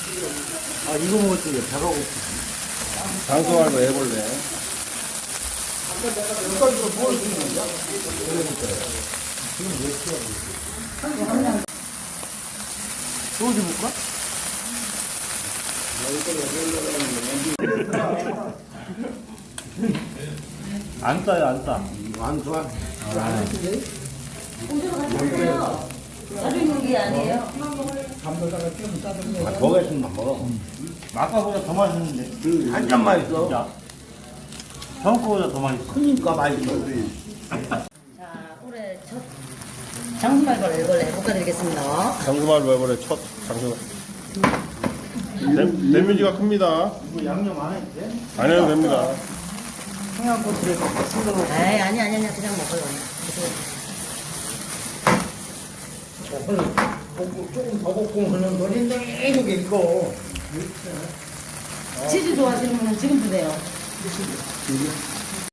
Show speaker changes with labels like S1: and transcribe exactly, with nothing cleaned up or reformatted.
S1: 아, 이거 먹을 때 배가 고프.
S2: 장수말로 해볼래?
S1: 이거 뭘 주는 거야? 지금 몇 시야? 소주 볼까?
S2: 안 싸요, 안 싸.
S1: 안 좋아. 안 했지?
S3: 오징어 같은데요. 가지고 있는 게 아니에요.
S1: 담배다가 좀 싸던데.
S2: 아, 더 맛있으면 먹어. 아까보다 더 맛있는데.
S1: 한 잔 맛있어.
S2: 진짜. 저번 거보다 더 맛있어.
S1: 크니까 맛있어.
S3: 자, 올해 첫 장수말벌 일벌레 볶아드리겠습니다.
S2: 장수말로 해볼래, 첫 장수. 데미지가 큽니다.
S1: 이거 양념 안 해도 돼?
S2: 안 해도 됩니다.
S1: 청양고추를 싱거워.
S3: 에이, 아니, 아니, 아니, 그냥 먹어요.
S1: 볶을, 볶고, 조금 더 볶고 하는 거리 내게 이거.
S3: 치즈 좋아하시는 분은 지금 드세요.